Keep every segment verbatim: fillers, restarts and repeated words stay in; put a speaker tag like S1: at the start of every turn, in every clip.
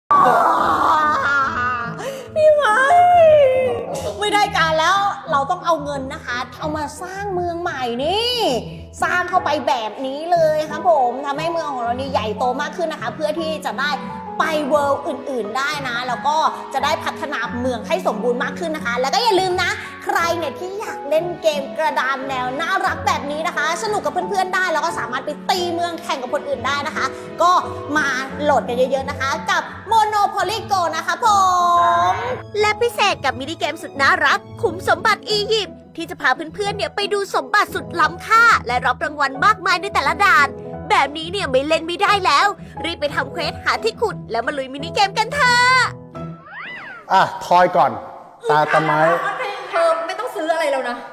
S1: พี่ไม้ไม่ได้การแล้วเราต้องเอาเงินนะคะเอามาสร้างเมืองใหม่นี่สร้างเข้าไปแบบนี้เลยครับผมทำให้เมืองของเรานี่ใหญ่โตมากขึ้นนะคะเพื่อที่จะได้ไปเวิลด์อื่นๆได้นะแล้วก็จะได้พัฒนาเมืองให้สมบูรณ์มากขึ้นนะคะแล้วก็อย่าลืมนะใครเนี่ยที่อยากเล่นเกมกระดานแนวน่ารักแบบนี้นะคะสนุกกับเพื่อนๆได้แล้วก็สามารถไปตีเมืองแข่งกับคนอื่นได้นะคะก็มาโหลดกันเยอะๆนะคะกับ Monopoly Go นะคะผมและพิเศษกับมินิเกมสุดน่ารักขุมสมบัติอียิปต์ที่จะพาเพื่อนๆเนี่ยไปดูสมบัติสุดล้ำค่าและรับรางวัลมากมายในแต่ละด่านแบบนี้เนี่ยไม่เล่นไม่ได้แล้วรีบไปทำเควสหาที่ขุดแล้วมาลุยมินิเกมกันเถอะ
S2: อ่ะทอยก่อนตาตะไม้
S3: เธอไม่ต้องซื้ออะไรแล้วนะ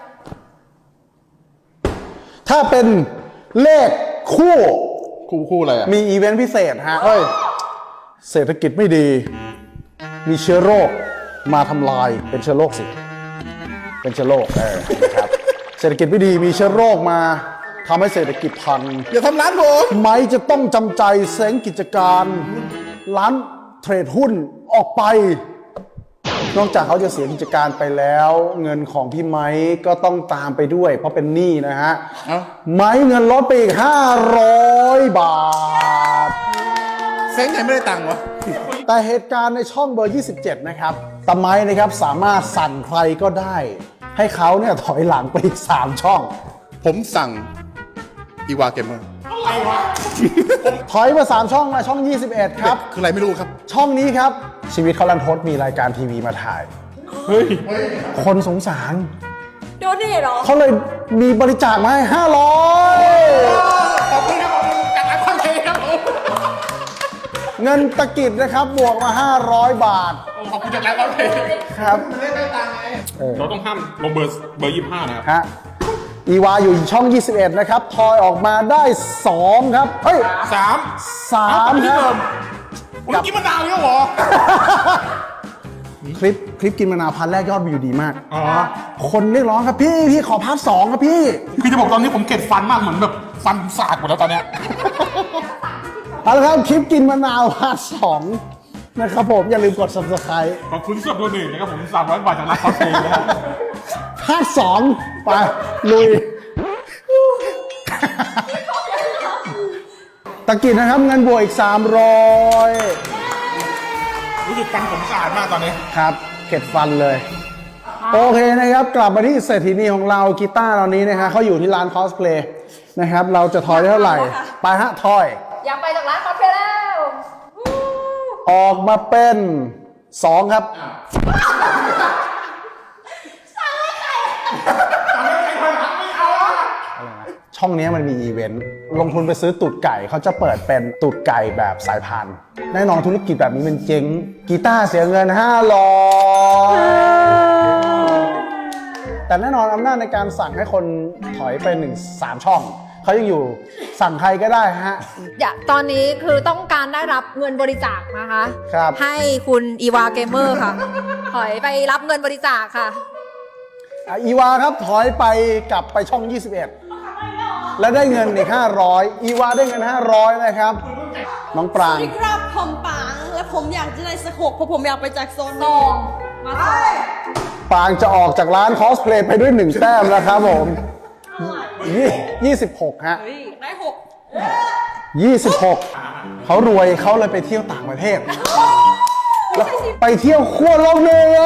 S2: ถ้าเป็นเลขคู่
S4: คู่คู่อะไรอ่ะ
S2: มีอีเวนต์พิเศษฮะเอ้ยเศรษฐกิจไม่ดีมีเชื้อโรคมาทำลายเป็นเชื้อโรคสิเป็นเชื้อโรคเออครับเศรษฐกิจไม่ดีมีเชื้อโรคมาทำให้เศรษฐกิจพัง
S4: อย่าทำร้านผม
S2: ไม้จะต้องจำใจเซ้งกิจการร้านเทรดหุ้นออกไปนอกจากเขาจะเสียกิจการไปแล้วเงินของพี่ไม้ก็ต้องตามไปด้วยเพราะเป็นหนี้นะฮะไม้เงินลดไปอีกห้าร้อยบาท
S4: เซ้งไงไม่ได้ตังค์วะ
S2: แต่เหตุการณ์ในช่องเบอร์ยี่สิบเจ็ดนะครับตะไม้นะครับสามารถสั่งใครก็ได้ให้เขาเนี่ยถอยหลังไปอีกสามช่อง
S4: ผมสั่งอีวาเกมเมอร์
S2: ถอยมาสามช่องมาช่องยี่สิบเอ็ดครับ
S4: คืออะไรไม่รู้ครับ
S2: ช่องนี้ครับชีวิตเขาลันทดมีรายการทีวีมาถ่ายเฮ้ยคนสงสาร
S3: โดนนี่เหรอ
S2: เขาเลยมีบริจาคมาให้ห้าร้อย
S4: ขอบคุณครับผมจากร้านคอนเทนต์ครับผม
S2: เงินตะกิดนะครับบวกมาห้าร้อยบาท
S4: ขอบคุณจากร้านคอนเทนต์
S2: ครับ
S4: ไม่ได้ตังค์ไงเราต้องห้ามลงเบอร์เบอร์ยี่สิบห้านะครับ
S2: ฮะอีวาอยู่ช่องยี่สิบเอ็ดนะครับทอยออกมาได้สองครับเฮ้ย
S4: สาม
S2: สามครับ
S4: คุณกินมะนาวเยอะหรอ
S2: คลิปคลิปกินมะนาวพันแรกยอดวิวดีมากอ๋อคนเรียกร้องครับพี่พี่ขอพาร์ทสองครับพี่
S4: พี่จะบอกตอนนี้ผมเก็บฟันมากเหมือนแบบฟันสากหมดแล้วตอนเนี้ย
S2: เอาละครับคลิปกินมะนาวพาร์ทสองนะครับผมอย่าลืมกด ซับสไครบ์
S4: ขอบคุณสำหรับตัวหนึ่งนะครับผมสามร้อยบาทจากร้านคาเฟ่นะครับ
S2: ภาคสองไปลุยตะกิดนะครับเงินบวกอีกสามร้อย
S4: รู้สึกฟันผมสะอาดมากตอนนี้
S2: ครับเข็ดฟันเลยโอเคนะครับกลับมาที่เศรษฐีนีของเรากีตาร์เรานี้นะฮะเขาอยู่ที่ร้านคอสเพลย์นะครับเราจะทอยได้เท่าไหร่ไปฮะทอย
S3: อยากไปจากร้านคอสเพลย์แล้ว
S2: ออกมาเป็นสองครับช่องนี้มันมีอีเวนต์ลงทุนไปซื้อตูดไก่เขาจะเปิดเป็นตูดไก่แบบสายพันธุ์แน่นอนธุรกิจแบบนี้มันเจ๊งกีตาร์เสียเงินห้าร้อยแต่แน่นอนอำนาจในการสั่งให้คนถอยไปหนึ่งสามช่องเขายังอยู่สั่งใครก็ได้ฮะ
S3: อย่าตอนนี้คือต้องการได้รับเงินบริจาคนะคะ
S2: ครับ
S3: ให้คุณอีวาเกมเมอร์ค่ะถอยไปรับเงินบริจาคค่ะ
S2: อีวาครับถอยไปกลับไปช่องยี่สิบเอ็ดและได้เงินอีกห้าร้อยอีวาได้เงินห้าร้อยนะครับน้องปราง
S1: สวัสดีครับผมปรางและผมอยากจะได้สกเพราะผมอยากไปจากโซน
S3: สองมาสอง
S2: ปรางจะออกจากร้านคอสเพลย์ไปด้วยหนึ่งแต้มแล้วครับผมยี่สิบหกฮะ
S1: ได้หก
S2: ยี่สิบหกเขารวยเขาเลยไปเที่ยวต่างประเทศแล้วไปเที่ยวขั้วโลกเหนือ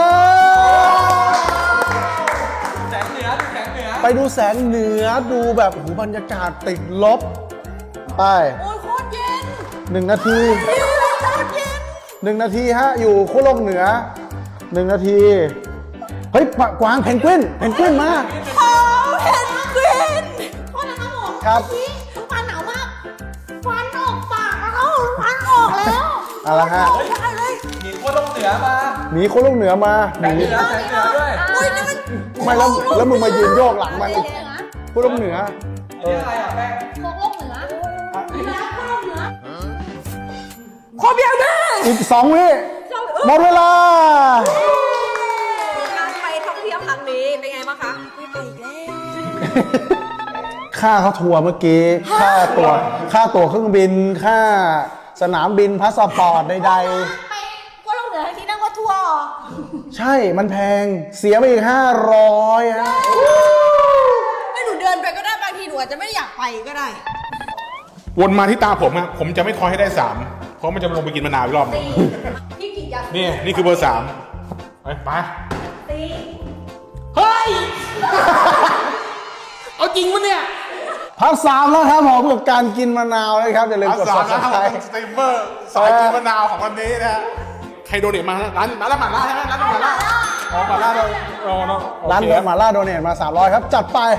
S2: ไปดูแสงเหนือดูแบบหูบรรยากาศติดลบไป
S1: โอ้ยโคตรเย็น
S2: หนึ่งนาทีหนึ่งนาทีฮะอยู่ขั้วโลกเหนือหนึ่งนาทีเฮ้ยกวางเพนกวินเพนกวินมา
S1: โอ้เพนกวินโทษนะครับผม
S2: ครับ
S1: ฟันหนาวมากฟันออกปากแล้วฟันออกแล้ว
S2: เอาละฮะ
S5: มีขั้วโลกเหนือมา
S2: มีขั้วโลกเหนือมา
S5: แสงเหนือแสงเหนือด้วย
S2: ไม่แล้วแล้วมึงมายืนโยกหลังมันขั้วโลกเหนือ
S5: เอออะไรอ่ะแป้ง
S1: ขั้วโลกเหนือขั้วโลกเหนือ
S2: ขอเบียร์ได้อีกสองวิหมดเวลา
S3: การไปท่องเที่ยวครั้งนี้เป็นไงบ้างคะ
S1: ไม่ไปอีกแล้ว
S2: ค่าเขาทัวร์เมื่อกี้ค่าตั๋วค่าตั๋วเครื่องบินค่าสนามบินพาสปอร์ตใดๆใช่มันแพงเสียไปอีกห้าร้อยฮะ
S1: ไม่หนูเดินไปก็ได้บางทีหนูอาจจะไม่อยากไปก็ได้
S4: วนมาที่ตาผมอะผมจะไม่คอยให้ได้สามเพราะมันจะลงไปกินมะนาวอีกรอบหนึ่ง
S3: พี่กิจอยาก
S4: นี่นี่คือเบอร์สามไปไป
S3: ตี
S4: เฮ้ย เอาจริงปะเนี่ย
S2: พักสามแล้วครับผมกับการกินมะนาวนะครับอย่าลืม
S4: เอา
S2: กด
S4: สามนะครับ
S2: subscribe
S4: สตรีมเมอร์สายกินมะนาวของวันนี้นะฮะใครโดเนทมานะร้านร้านละหมาล่าใช่ไหมร้านละหมาล่าอ๋อหมาล่าเราเราเนาะ
S2: ร้าน
S4: โอ
S2: เด
S4: เค
S2: อะหมาล่าโดเนทมาสามร้อยครับ จัดไป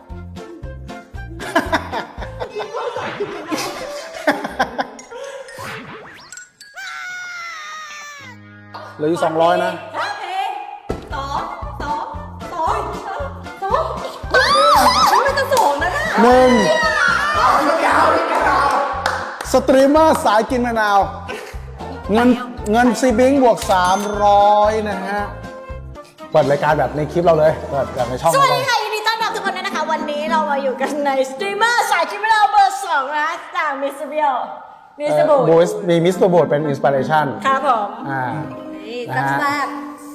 S2: เหลืออยู่สองร้อยนะ
S3: โอเคสองสองสองสองไม่จะสองนะน่ะ
S2: หนึ่งสตรีมเมอร์สายกินมะนาว เงินเงินซีบิงบวกสามร้อยนะฮะ เปิดรายการแบบในคลิปเราเลย เปิดแบบในช่อง
S1: สวั
S2: เรา
S1: ส
S2: เล
S1: ดี
S2: ย
S1: ค่ะยินดีต้อนรับทุกคนด้วยนะคะ วันนี้เรามาอยู่กันในสตรีมเมอร์สายคลิปวิดีโอเบอร์สองนะจากมิสเตอร์เบียลมิสเตอร์บู
S2: บูสมีมิสเตอร์โบดเป็นอินสปิเรชัน
S1: ครับผม
S2: อ่า
S3: นี่
S2: นะฮะ
S3: แซ่บ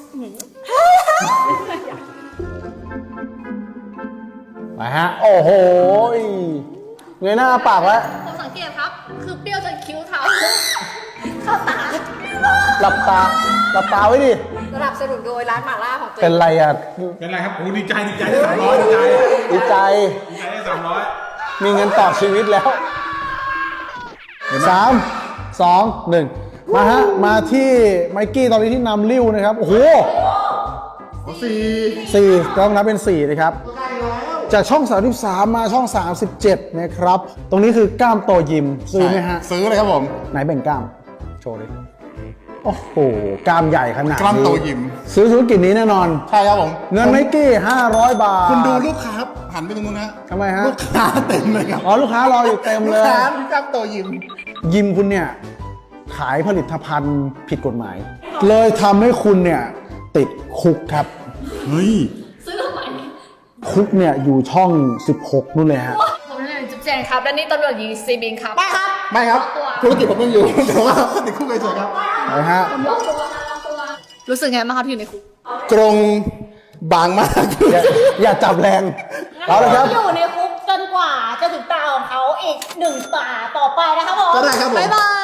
S2: มาฮะ โอ้โหเงยหน้าปากแล้ว
S3: ๆผมสังเกตครับ คือเปรี้ยวจนคิ้วเท้า
S1: เข้าตา
S2: หลับตา หลับตาไว้ดิ
S3: สนับสนุนโดยร้านหม่าล่าของตัว
S2: เป็
S3: เอน ง
S2: ไรอ่ะ
S4: เป็นไรครับโอ้ดีใจดีใจได้สามร้อยดีใจ
S2: ดีใจ
S4: ดีใจได้สามร้อย
S2: มีเงินต่อชีวิตแล้วสามสองหนึ่งมาฮะ มาที่ไมกี้ตอนนี้ที่นำริ้วนะครับ โอ้โห
S4: สี่
S2: สี่ต้องนับเป็นสี่นะครับ จากช่องสามสิบสามมาช่องสามสิบเจ็ดนะครับ ตรงนี้คือกล้ามโตยิมซื้อไหมฮะ
S4: ซื้อเลยครับผม
S2: ไหนแบ่งกล้าม โชว์ดิโอ้โห กล้ามใหญ่ขนาดนี้
S4: กล้ามโตยิม
S2: ซื้อธุรกิจนี้แน่นอน
S4: ใช่ครับผม
S2: เงินไมกี้ห้าร้อยบาท
S4: คุณดูลูกค้าครับหันไปตรงนู้นนะ
S2: ทำไมฮะ
S4: ลูกค้าเต็มเลยครับ
S2: อ๋อ ลูกค้ารออยู่เต็ม
S4: ลู
S2: เล
S4: ก
S2: ย
S4: ค้าพี่กล้ามโตยิม
S2: ยิมคุณเนี่ย ขายผลิตภัณฑ์ผิดกฎหมาย เลยทำให้คุณเนี่ย ติดคุกครับ
S4: เฮ้ย
S3: ซื้อทำไม
S2: คุกเนี่ย อยู่ช่อง สิบหกนู่นเลยฮะ
S3: ผมเป็นจุ๊บแจงครับ และนี่ตำรวจหญิงซีบิงครับ
S1: ไปครับ
S4: ไม่ครับ ธุรกิจผมยังอยู่ แต่ว่าติดคุกเฉยๆครับ
S2: ไปฮะ
S3: รู้สึกไงบ้างครับที่อยู่ในคุก
S4: ตรงบางมาก
S2: อย่าอย่าจับแรง เอาละครับ
S1: อยู่ในคุกจนกว่าจะถึงตาของเขาอีกหนึ่งตาต่อไปนะครับผม
S4: ก็ได้ครับผม
S1: บ๊ายบาย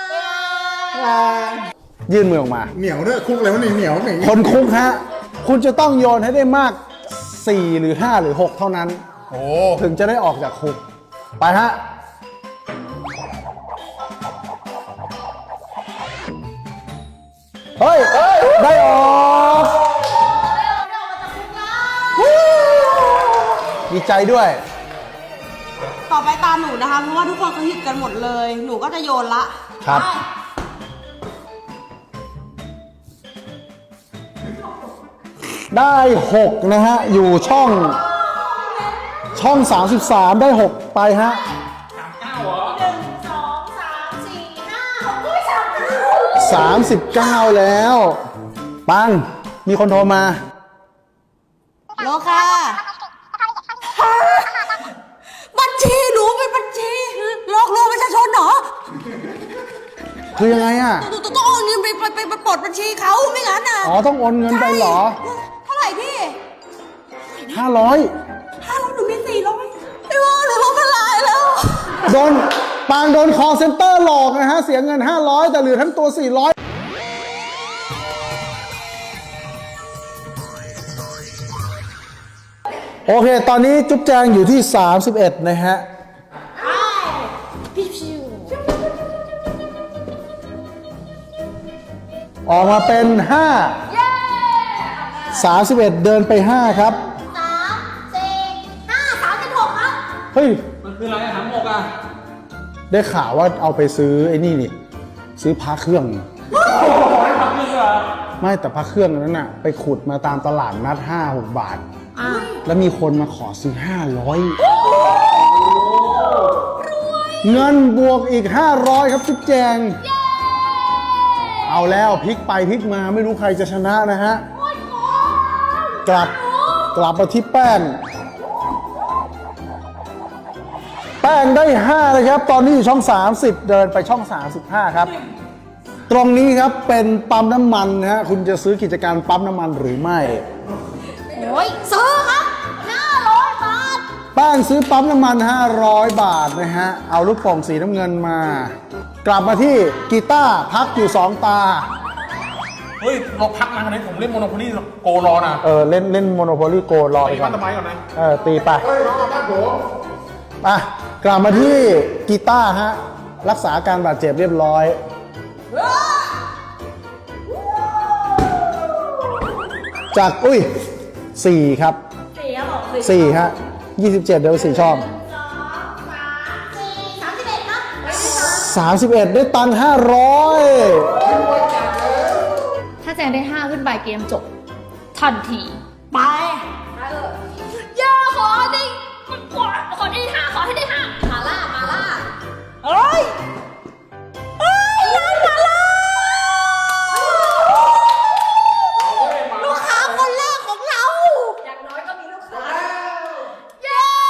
S2: ยื่นมือออกมา
S4: เหนียวด้วยคุกเลยวะนี่เหนียวเหนียว
S2: คนคุกฮะ คุณจะต้องโยนให้ได้มาก สี่หรือห้าหรือหกเท่านั้น
S4: โอ้
S2: ถึงจะได้ออกจากคุก ไปฮะ เฮ้ย ได้ออกดีใจด้วย
S1: ต่อไปตามหนูนะคะ เพราะว่าทุกคนเขาหยิบกันหมดเลย หนูก็จะโยนละ
S2: ครับ ได้หกนะฮะ อยู่ช่อง ช่อง สามสิบสาม ได้หกไปฮะ
S1: หนึ่งสองสามสี่ห้าหกเฮ้ยสามเก้า
S2: สามสิบเก้าแล้ว ปัง มีคนโทรมา
S1: โลค่ะบัญชีหนูเป็นบัญชีหลอกลวงประชาชนเหรอ
S2: คือยังไงอ่ะ
S1: หนูต้องเอาเงินไปไปไปไปปลดบัญชีเขาไม่งั้นอ่ะ
S2: อ๋อ ต้องโอนเงินไปเหรอ
S1: เท่าไหร่พี่
S2: ห้าร้อย
S1: ห้าร้อยหนูมีสี่ร้อยไม่ว่าหนูล้มละลายแล้ว
S2: โดนปางโดน call center หลอกนะฮะ เสียเงิน ห้าร้อย แต่เหลือทั้งตัว สี่ร้อย โอเค ตอนนี้จุ๊บแจงอยู่ที่ สามสิบเอ็ด นะฮะ
S1: พี่ชิว
S2: ออกมาเป็น ห้า สามสิบเอ็ด เดินไป ห้า ครับ
S1: สามสี่ห้าสามสิบหกครับ
S2: เฮ้ย
S5: มันคืออะไรอะหางหมกอ่ะ
S2: ได้ข่าวว่าเอาไปซื้อไอ้นี่นี่ ซื้อพระเครื่อง ไม่แต่พระเครื่องนั้นน่ะ ไปขุดมาตามตลาดนัด ห้าหก บาท แล้วมีคนมาขอซื้อ ห้าร้อย เงินบวกอีก ห้าร้อย ครับจุ๊บแจง เอาแล้วพลิกไปพลิกมาไม่รู้ใครจะชนะนะฮะ กลับกลับมาที่แป้ง แป้งได้ห้าเลยครับ ตอนนี้อยู่ช่อง สามสิบ เดินไปช่อง สามสิบห้า ครับตรงนี้ครับเป็นปั๊มน้ำมันนะฮะคุณจะซื้อกิจการปั๊มน้ำมันหรือไม่
S1: โอ้ยซื้อครับห้าร้อยบาท
S2: แป้งซื้อปั๊มน้ำมันห้าร้อยบาทนะฮะเอาลูกโป่งสีน้ำเงินมา กลับมาที่กีตาร์พักอยู่สองตา
S4: เฮ้ยเราพักมากันนี้ผมเล่นโมโนโพลีโกรอนะ
S2: เออเล่นเล่นโมโนโพลีโกรอ
S4: ไป
S2: ไปก่อ
S4: บ้าน นทำไมก่อนนะ
S2: เออตีไป
S4: เฮ้ยรอบ้านผม
S2: อ่ะกลับมาที่กีตาร์ฮะรักษาอาการบาดเจ็บเรียบร้อย จากอุ้ยสี่ครับ
S3: สี่ครับผม
S2: สี่ฮะยี่สิบเจ็ดเดี๋ยวสี่ช่อง
S1: สองสามสี่สามสิบเอ็ดครับ
S2: สามสิบเอ็ดได้ตังค์ห้าร้อย
S3: ถ้าแจงได้ห้าขึ้นไปเกมจบ ทันที
S1: ไป
S3: อย่าขอได้ขอขอได้ห้าขอให้ได้ห้ามาล่ามาล่า
S1: เอ้ยเอ้ยร้านมาแล้วลูกค้าคนแรกของเรา
S3: อย่างน้อยก็มีลูกค้า
S1: เย้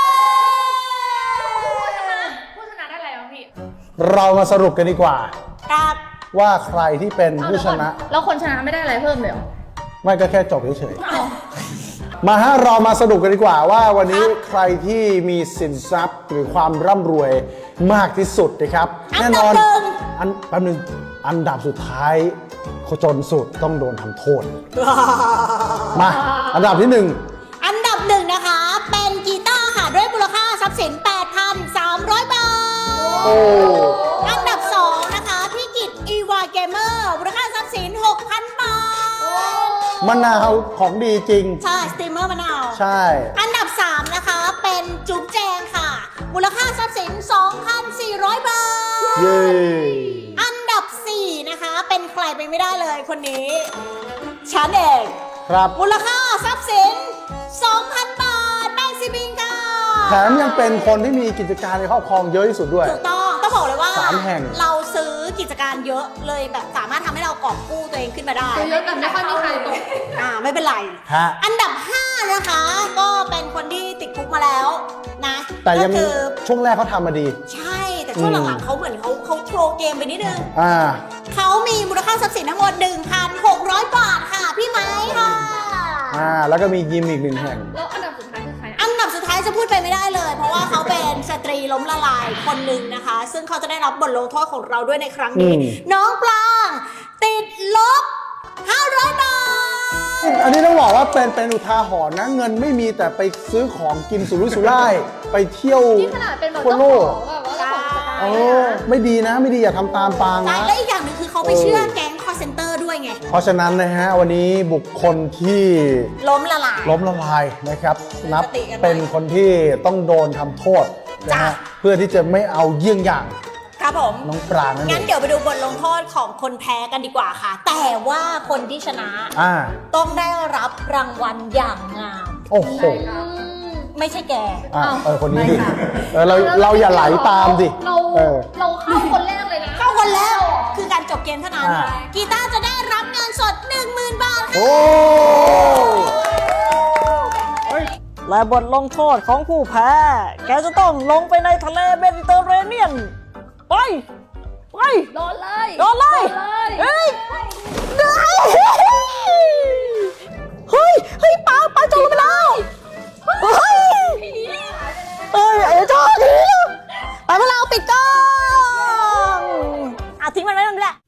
S3: ผู้ชนะได้อะไรบ้างพี่
S2: เรามาสรุปกันดีกว่า
S1: ครับ
S2: ว่าใครที่เป็นผู้ชนะ
S3: แล้วคนชนะไม่ได้อะไรเพิ่มเลยเหรอ
S2: ไม่ก็แค่จบเฉยๆ มาฮะเรามาสรุปกันดีกว่าว่าวันนี้ใครที่มีสินทรัพย์หรือความร่ำรวยมากที่สุดนะครับ แน่นอนอันแป๊บนึงอันดับสุดท้ายจนสุดต้องโดนทำโทษ มา อันดับที่หนึ่ง
S1: อันดับหนึ่งนะคะ เป็นกีตาร์ค่ะ ด้วยมูลค่าทรัพย์สิน แปดพันสามร้อย บาท
S2: โอ้
S1: อันดับสองนะคะ พี่กิตอีวาเกมเมอร์มูลค่าทรัพย์สิน หกพัน บาท
S2: มะนาวของดีจริง
S1: ใช่ สตรีมเมอร์มะนาว
S2: ใช่
S1: อันดับสามนะคะ เป็นจุ๊บแจงค่ะ มูลค่าทรัพย์สิน สองพันสี่ร้อย บาท
S2: เย้
S1: อันดับสี่นะคะ เป็นใครไปไม่ได้เลยคนนี้ ฉันเอง
S2: ครับ
S1: มูลค่าทรัพย์สิน สองพัน บาทแป้งซีบิงค่ะ
S2: แถมยังเป็นคนที่มีกิจการในครอบครองเยอะที่สุดด้วย
S1: ถูกต้อง ต้องบอกเลยว่า
S2: สามแห่ง
S1: เราซื้อกิจการเยอะเลยแบบสามารถทำให้เรากอบกู้ตัวเองขึ้นมาได้
S3: เยอะแต่ไม่ค่อยมีใครตก
S1: อ่าไม่เป็นไร
S2: ฮะ
S1: อันดับห้านะคะ ก็เป็นคนที่ติดคุกมาแล้วนะ
S2: แต่ยัง
S1: ก็คือ
S2: ช่วงแรกเขาทำมาดี
S1: ใช่ แต่ช่วง
S2: อืม
S1: หลังๆเขาเหมือนเขาเขาโทรเกมไปนิดนึง
S2: อ่า
S1: เขามีมูลค่าทรัพย์สินทั้งหมด หนึ่งพันหกร้อย บาทค่ะ พี่ไม้ค่ะ
S2: อ่า แล้วก็มียิมอีกหนึ่งแห่ง
S3: แล้วอันดับสุดท้ายคือใครอะ
S1: อันดับสุดท้ายจะพูดไปไม่ได้เลย เพราะว่าเขาเป็นสตรีล้มละลายคนหนึ่งนะคะ ซึ่งเขาจะได้รับบทลงโทษของเราด้วยในครั้งนี้
S2: อืม
S1: น้องปลางติดลบ ห้าร้อย บาท
S2: อันนี้ต้องบอกว่าเป็นเป็นอุทาหรณ์นะ เงินไม่มีแต่ไปซื้อของกินสุรุ่ยสุร่าย ไปเที่ยว
S3: นี่ขนาดเป็นแบบ
S2: ทั่ว
S3: เจ้า
S2: โล
S3: ขอก งแบบว่าเจ้าของกิจการ
S2: เออไม่ดีนะไม่ดีอย่าทำตามปาง
S1: ใช่
S2: นะ
S1: และอีกอย่างหนึ่งคือเขาไปเชื่อแก๊งคอร์เซนเตอร์ด้วยไง
S2: เพราะฉะนั้นนะฮะวันนี้บุคคลที่
S1: ล้มละลาย
S2: ล้มละลายนะครับ นับ
S1: สติกันไว้
S2: เป็นคนที่ต้องโดนทำโทษนะ
S1: จ้ะ
S2: ฮะเพื่อที่จะไม่เอาเยี่ยงอย่าง
S1: ครับผม
S2: น้องปรางนั่นเอ
S1: งั้น
S2: ง
S1: เดี๋ยวไปดูบทลงโทษของคนแพ้กันดีกว่าค่ะ แต่ว่าคนที่ชนะ
S2: อ่า
S1: ต้องได้รับรางวัลอย่างงาม
S2: โอ้โห
S1: ไม่ใช่แก
S2: อ่ะ
S3: อ้าว
S2: เออคนนี้ดิ
S1: ไม่ค่ะ
S2: เออเราเราอย่าไหลตามดิ
S3: เรา
S2: เออ
S3: เราเข้าคนแรกเลยนะ
S1: เข้าคนแล้วคือการจบเกมเท่านั้น
S2: อ่า
S1: กีตาร์จะได้รับเงินสด หนึ่งหมื่น บาทค่ะ
S2: โอ้
S1: และบทลงโทษของผู้แพ้ แกจะต้องลงไปในทะเลเมดิเตอร์เรเนียน ไป ไป
S3: โดนเลย
S1: โดนเลย
S3: โดนเลย
S1: เฮ้ยได้เฮ้ย เฮ้ยป้าป้าจมลงไปแล้ว เฮ้ย เอ้ยไอ้เจ้าทีไปพวกเราปิดกล้องอ่ะทิ้งมันไว้ตรงนี้แหละ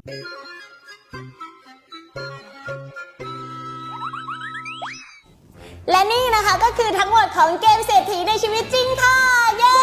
S1: และนี่นะคะก็คือทั้งหมดของเกมเศรษฐีในชีวิตจริงค่ะ เย้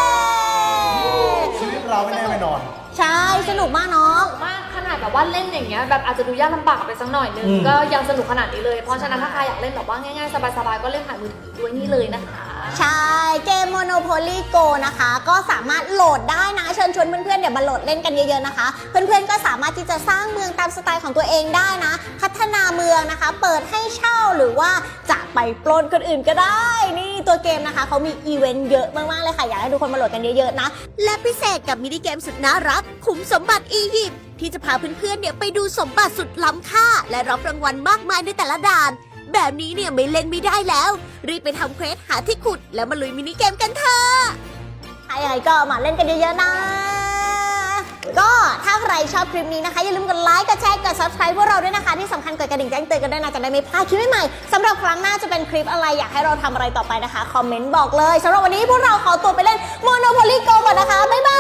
S2: ชีวิตเราไม่แน่ไม่นอน
S1: ใช่ สนุกมากเนาะ
S3: มากขนาดแบบว่าเล่นอย่างเงี้ยแบบอาจจะดูยากลำบากไปสักหน่อยนึง
S2: อืม
S3: ก็ยังสนุกขนาดนี้เลย เพราะฉะนั้นถ้าใครอยากเล่นแบบว่าง่ายๆ สบายๆ ก็เล่นผ่านมือถือด้วยนี่เลยนะคะ
S1: ใช่ เกม Monopoly Go นะคะ ก็สามารถโหลดได้นะ เชิญชวนเพื่อนๆเดี๋ยวมาโหลดเล่นกันเยอะๆนะคะ เพื่อนๆก็สามารถที่จะสร้างเมืองตามสไตล์ของตัวเองได้นะ พัฒนาเมืองนะคะ เปิดให้เช่าหรือว่าจะไปปล้นคนอื่นก็ได้ นี่ตัวเกมนะคะเขามีอีเวนต์เยอะมากๆเลยค่ะอยากให้ทุกคนมาโหลดกันเยอะๆนะ และพิเศษกับมินิเกมสุดน่ารักขุมสมบัติอียิปต์ที่จะพาเพื่อนๆเนี่ยไปดูสมบัติสุดล้ำค่า และรับรางวัลมากมายในแต่ละด่าน แบบนี้เนี่ยไม่เล่นไม่ได้แล้ว รีบไปทำเควสหาที่ขุดแล้วมาลุยมินิเกมกันเถอะใครๆก็มาเล่นกันเยอะๆนะก็ถ้าใครชอบคลิปนี้นะคะอย่าลืมกดไลค์กดแชร์กด subscribe พวกเราด้วยนะคะที่สำคัญกดกระดิ่งแจ้งเตือนกันด้วยนะจะได้ไม่พลาดคลิปใหม่ๆสำหรับครั้งหน้าจะเป็นคลิปอะไรอยากให้เราทำอะไรต่อไปนะคะคอมเมนต์บอกเลยสำหรับวันนี้พวกเราขอตัวไปเล่น Monopoly Go ก่อนนะคะบ๊ายบาย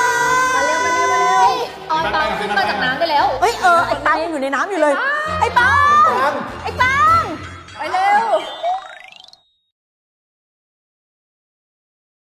S3: มาเร็วมาเร็วมาเร็วออนตอนขึ้นมาจากน้ำไปแล้ว
S1: เฮ้ยเออไอ้ปายังอยู่ในน้ำอยู่เลยไอ้ปา